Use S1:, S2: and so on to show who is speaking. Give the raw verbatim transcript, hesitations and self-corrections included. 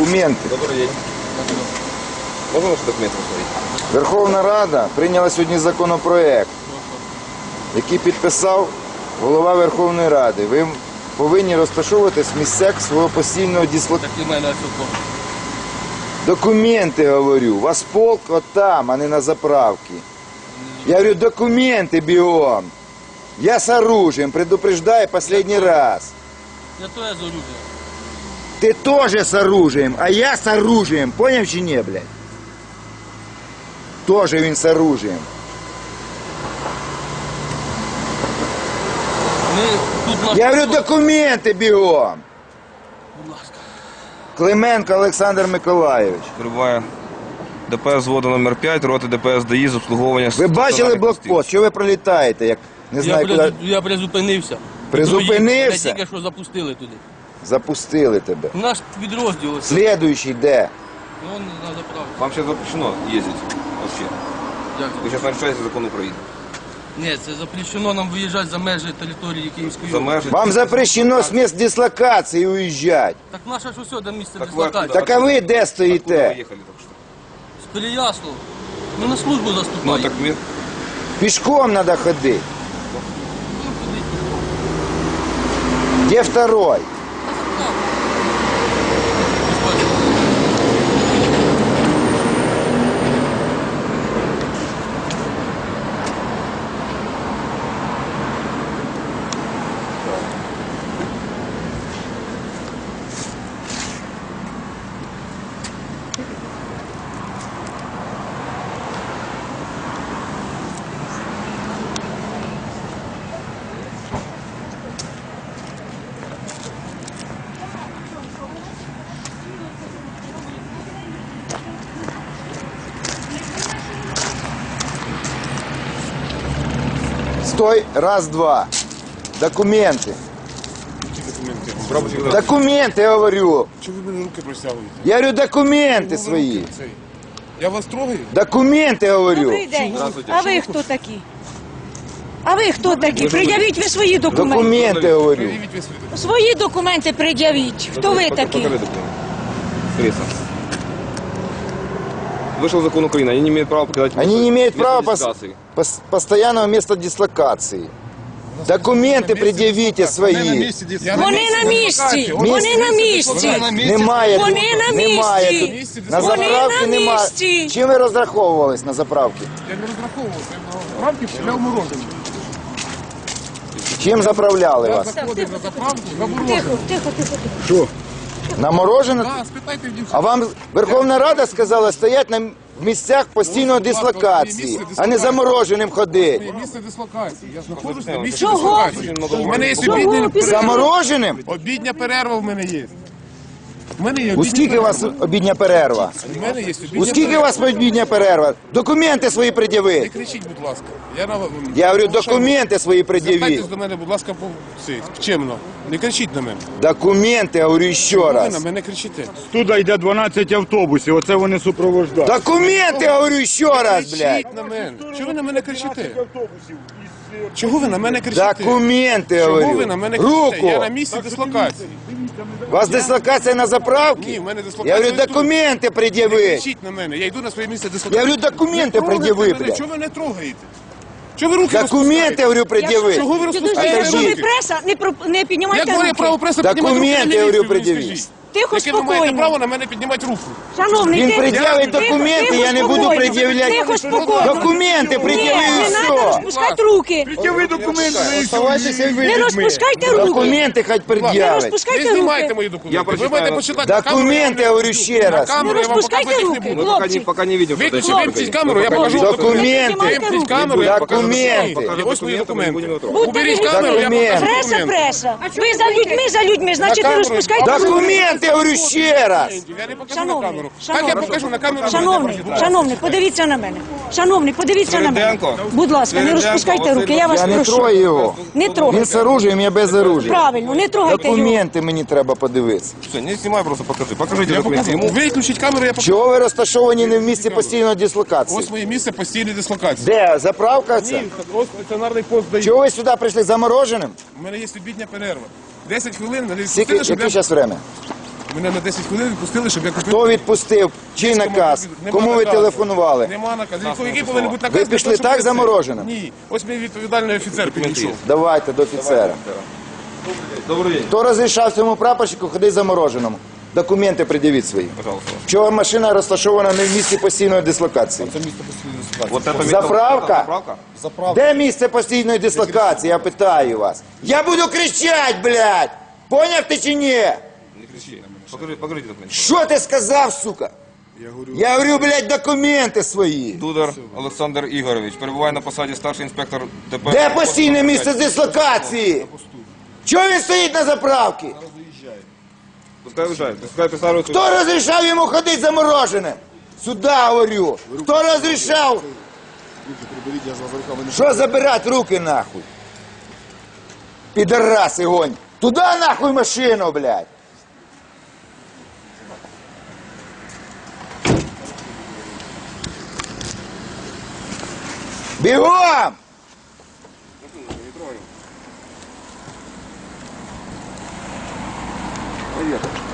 S1: Документы.
S2: Добрый день. Можно ваши документы посмотреть?
S1: Верховна Рада прийняла сьогодні законопроект, який підписав голова Верховної Ради. Ви повинні розташовуватись в місцях свого постійного дислокації. Документи, говорю. У вас полк от там, а не на заправці. Я говорю, документы бегом. Я с оружием, предупреждаю последний раз.
S3: Я тоже с оружием.
S1: Ты тоже с оружием, а я с оружием. Понял чи не, блядь? Тоже він с оружием.
S3: Ми тут наш...
S1: Я говорю, документи бігом.
S3: Будь ласка.
S1: Клименко Олександр Миколайович.
S2: Прибуває ДПС взводу номер п'ять, роти ДПС ДАІ з обслуговування...
S1: Ви бачили блокпост? Що ви пролітаєте? Як не
S3: Я,
S1: знаю,
S3: призу...
S1: куди
S3: я призупинився.
S1: Призупинився?
S3: Мене тільки що запустили туди.
S1: запустили тебе.
S3: Наш підрозділ.
S1: Слідуючий де?
S3: Вон на заправці.
S2: Вам сейчас запрещено ездить вообще.
S3: Як
S2: Вы сейчас нарушаете закон Украины.
S3: Ні, це запрещено нам виїжджати за межі території Київської
S2: За
S3: області.
S2: межі...
S1: Вам запрещено з місць дислокації уїжджати.
S3: Так наше ж усе до місця
S2: Так ви
S3: дислокації.
S2: откуда?
S1: Так а ви де
S2: Откуда вы
S1: стоїте?
S2: ехали только что?
S3: З Переяслава. Ми на службу
S2: Ну
S3: заступаємо.
S2: так мы...
S1: Пішком треба ходити.
S3: Ну, ходіть.
S1: Де второй? Стой, раз, два. Документы.
S2: Прапорщик,
S1: Документы, я говорю.
S4: Чого ви мені руки просягуєте?
S1: Я говорю, документы свої.
S4: Я вас трогаю?
S1: Документы, я говорю.
S5: Добрий день.
S2: Здравствуйте.
S5: А ви хто такі? А ви хто такі? Пред'явіть ви свої документи.
S1: Документы, я говорю.
S4: Привіть ви свої документи.
S5: Свої документи пред'явіть. Хто ви такі?
S2: Покажи документы. Кресло. Вышел закон Украины, они не имеют права покидать...
S1: Они не имеют
S2: место
S1: права пос-
S2: дислокации.
S1: пос- постоянного места дислокации. Документы предъявите свои.
S4: Я
S5: Вони на місці.
S4: Вони
S5: Вони на місці.
S1: Немає
S5: Вони
S1: тут.
S5: на
S1: Немає
S5: місці.
S1: тут. На
S5: Вони
S1: заправці
S5: на
S1: немає.
S5: місці.
S1: Чим ви розраховувались на заправці?
S4: Я не розраховувався. Я рамки пішляв морожене.
S1: Чим заправляли
S4: Я
S1: вас?
S4: заходив на заправку за морожене.
S5: Тихо, тихо, тихо. тихо.
S1: На морожене?
S4: Так, спитайте в дівчат.
S1: А вам Верховна Рада сказала стоять на місцях постійної дислокації, а не замороженим ходити.
S4: Моє місце дислокації. Я знаходжусь на місці
S5: Чого?
S4: дислокації. У мене є
S5: Чого?
S4: обідня перерва.
S1: Замороженим?
S4: Обідня перерва в мене є. У мене є
S1: У
S4: обідня
S1: скільки у вас
S4: перерва.
S1: обідня перерва?
S4: У мене є обідня
S1: У скільки у вас обідня перерва? Документи свої
S4: Не
S1: пред'явіть.
S4: кричіть, будь ласка. Я, на...
S1: Я говорю, документи свої пред'явіть.
S4: Звертайтесь до мене, будь ласка, по... Цей, чемно. Не кричіть на мене.
S1: Документи, я говорю ще
S4: Ви на
S1: раз.
S4: мене кричите.
S6: Туди йде дванадцять автобусів, оце вони супроводжують.
S1: Документи, я говорю ще раз, блядь.
S4: Кричіть на мене. Чого ви на мене кричите? Чого ви на мене кричите?
S1: Документи, я
S4: Чого ви
S1: говорю.
S4: на мене кричите?
S1: Руку.
S4: Я на місці дислокації.
S1: У вас дислокація на заправці?
S4: Ні, в мене дислокація.
S1: Я говорю,
S4: тут.
S1: документи
S4: Не
S1: пред'явіть.
S4: кричіть на мене. Я йду на своє місце
S1: Я
S4: дислокації.
S1: говорю, документи
S4: Не трогайте
S1: пред'яви,
S4: мене.
S1: блядь.
S4: Чого ви не трогаєте? Чого ви руки
S1: Документи, я
S4: розпускаєте?
S1: говорю, пред'яви.
S4: Чого ви
S5: Підожди,
S4: розпускаєте
S5: якщо ви
S4: руки?
S5: преса, не, про... не піднімайте
S4: Як моє право
S5: руки.
S4: преса
S1: Документи,
S4: піднімати руки на
S1: я говорю,
S4: міліцію, ви мені
S1: пред'явіть.
S4: скажіть?
S5: Тихо,
S4: Яке ви маєте
S5: спокійно.
S4: право на мене піднімати руку?
S5: Шановний,
S1: Він
S5: тихо,
S1: пред'явить
S5: тихо,
S1: документи,
S5: тихо,
S1: я не буду
S5: спокійно.
S1: пред'являти.
S5: Тихо, спокійно.
S1: Документи пред'яви
S5: Ні,
S1: і
S5: не треба
S1: все.
S5: розпускати руки.
S6: Ви документи
S1: Оставайтеся і ви
S5: Не
S1: людьми.
S5: розпускайте руки.
S1: Документи хоч
S5: Не
S4: Не
S1: пред'явить.
S5: розпускайте
S4: знімайте
S5: руки.
S4: мої
S2: Я
S4: документи. Ви
S2: прочитаю.
S4: маєте почитати на камеру.
S1: Документи, я говорю ще раз.
S4: На камеру
S5: Не
S4: я вам
S5: розпускайте
S4: показувати їх не
S5: руки.
S4: буду.
S2: Мы пока не,
S5: Хлопці.
S2: пока не видим, что
S4: Виключи,
S2: это
S4: вимкніть камеру, я покажу.
S1: Документи.
S4: Вимкніть камеру, я покажу.
S1: Документи.
S4: І ось мої документи.
S5: Будьте
S4: Уберіть
S5: ви-
S4: камеру, я покажу
S5: Преса,
S4: документи.
S5: преса. Ви за людьми, за людьми, значить не
S4: камеру.
S5: розпускайте руки.
S1: Документи, я говорю ще раз.
S4: Я не покажу на
S5: Шановний,
S4: камеру. Так
S5: шановний,
S4: я покажу на камеру.
S5: Шановний, шановний, подивіться на мене. Шановний, подивіться на мене.
S2: Свириденко.
S5: Будь ласка, не
S2: Свириденко,
S5: розпускайте
S2: Василь
S5: руки, я вас
S1: Я не
S5: прошу.
S1: трою його.
S5: Не
S1: Він
S5: трогайте.
S1: з оружием, я без оружия.
S5: Правильно, не трогайте його.
S1: Документи мені треба подивитися.
S2: Все, не снимай, просто покажи. Покажите документы ему.
S4: Виключіть камеру, я покажу.
S1: Чого ви розташовані не в місці постійної дислокації?
S4: Ось моє місце постійної дислокації.
S1: Де? Заправка це?
S4: Ні, ось стаціонарний пост дає.
S1: Чого ви сюди прийшли замороженим?
S4: У мене є обідня перерва. десять хвилин, мене
S1: Скільки,
S4: відпустили, щоб
S1: яке
S4: я...
S1: зараз время?
S4: Мене на десять хвилин відпустили, щоб я купив.
S1: Хто відпустив? Чий наказ?
S4: Нема
S1: Кому ви
S4: наказу.
S1: телефонували?
S4: Нема наказу. Який повинен бути наказ?
S1: Ви
S4: для
S1: пішли
S4: того, щоб
S1: так
S4: я це-
S1: замороженим?
S4: Ні. Ось мій відповідальний офіцер підійшов.
S1: Давайте до офіцера.
S2: Добрий день.
S1: Хто розрішав цьому прапорщику ходити замороженому? Документи пред'явіть свої.
S2: Пожалуйста.
S1: Чого машина розташована не в місці постійної дислокації?
S4: Це місто постійної дислокації.
S2: Вот это
S1: Заправка?
S2: Заправка?
S4: Заправка.
S1: Де місце постійної дислокації? Я питаю вас. Я буду кричати, блядь! Поняв ти чи ні?
S2: Не кричи. Покажи, покажите документы.
S1: Що ти сказав, сука?
S4: Я говорю,
S1: Я говорю, блядь, документи свої.
S2: Дудар Олександр Ігорович перебуває на посаді старший інспектор ДП.
S1: Де постійне місце дислокації? Чого він стоїть на заправці?
S2: Пускай виїжджає, пускай присаджується.
S1: Хто розрішав йому ходити замороженим? Сюда говорю. Хто розрішав?
S4: руки приберіть, я з вас руками не
S1: Що забирати руки нахуй? Підараси гонь. Туда нахуй машину, блядь. Бігом!
S4: Привіт.